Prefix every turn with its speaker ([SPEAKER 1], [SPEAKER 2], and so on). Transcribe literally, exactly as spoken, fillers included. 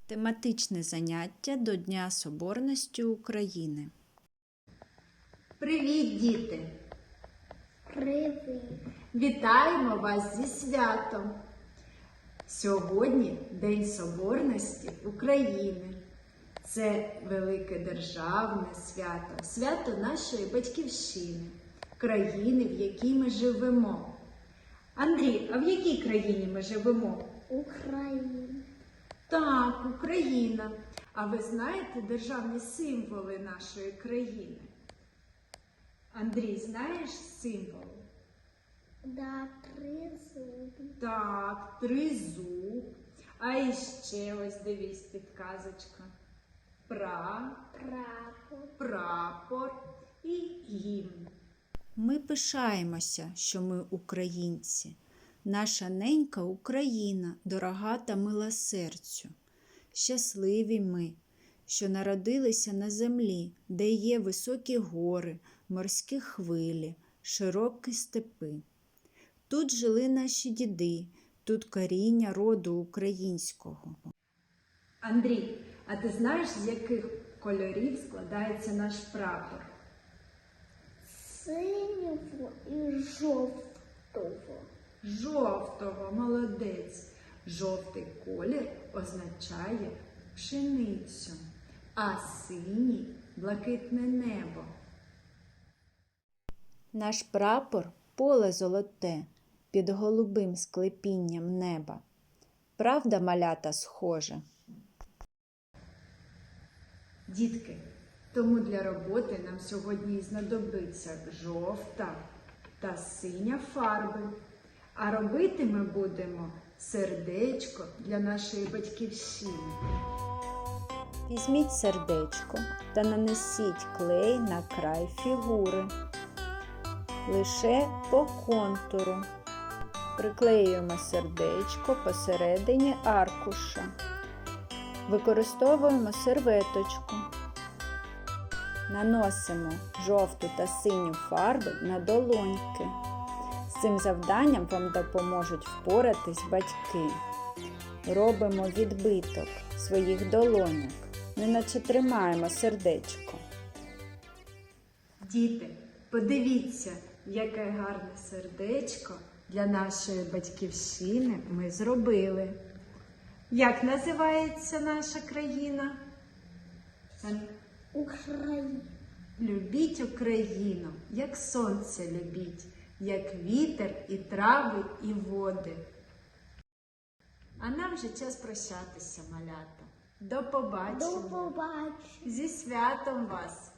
[SPEAKER 1] Тематичне заняття до Дня Соборності України.
[SPEAKER 2] Привіт, діти!
[SPEAKER 3] Привіт!
[SPEAKER 2] Вітаємо вас зі святом! Сьогодні День Соборності України. Це велике державне свято, свято нашої батьківщини, країни, в якій ми живемо. Андрій, а в якій країні ми живемо?
[SPEAKER 3] Україна.
[SPEAKER 2] Так, Україна. А ви знаєте державні символи нашої країни? Андрій, знаєш символи?
[SPEAKER 3] Да, тризуб.
[SPEAKER 2] Так, тризуб. А іще ось дивись підказочка. Пра,
[SPEAKER 3] Прапор.
[SPEAKER 2] прапор і гімн.
[SPEAKER 1] Ми пишаємося, що ми українці. Наша ненька Україна, дорога та мила серцю. Щасливі ми, що народилися на землі, де є високі гори, морські хвилі, широкі степи. Тут жили наші діди, тут коріння роду українського.
[SPEAKER 2] Андрій, а ти знаєш, з яких кольорів складається наш прапор?
[SPEAKER 3] Синього і жовтого.
[SPEAKER 2] Жовтого, молодець. Жовтий колір означає пшеницю, а синій – блакитне небо.
[SPEAKER 1] Наш прапор – поле золоте, під голубим склепінням неба. Правда, малята, схоже?
[SPEAKER 2] Дітки, тому для роботи нам сьогодні знадобиться жовта та синя фарби. А робити ми будемо сердечко для нашої батьківщини.
[SPEAKER 1] Візьміть сердечко та нанесіть клей на край фігури. Лише по контуру. Приклеюємо сердечко посередині аркуша. Використовуємо серветочку. Наносимо жовту та синю фарби на долоньки. З цим завданням вам допоможуть впоратись батьки. Робимо відбиток своїх долоньок, неначе тримаємо сердечко.
[SPEAKER 2] Діти, подивіться, яке гарне сердечко для нашої батьківщини ми зробили. Як називається наша країна?
[SPEAKER 3] Україна.
[SPEAKER 2] Любіть Україну, як сонце любіть, як вітер і трави, і води. А нам вже час прощатися, малята. До побачення.
[SPEAKER 3] До побачення.
[SPEAKER 2] Зі святом вас!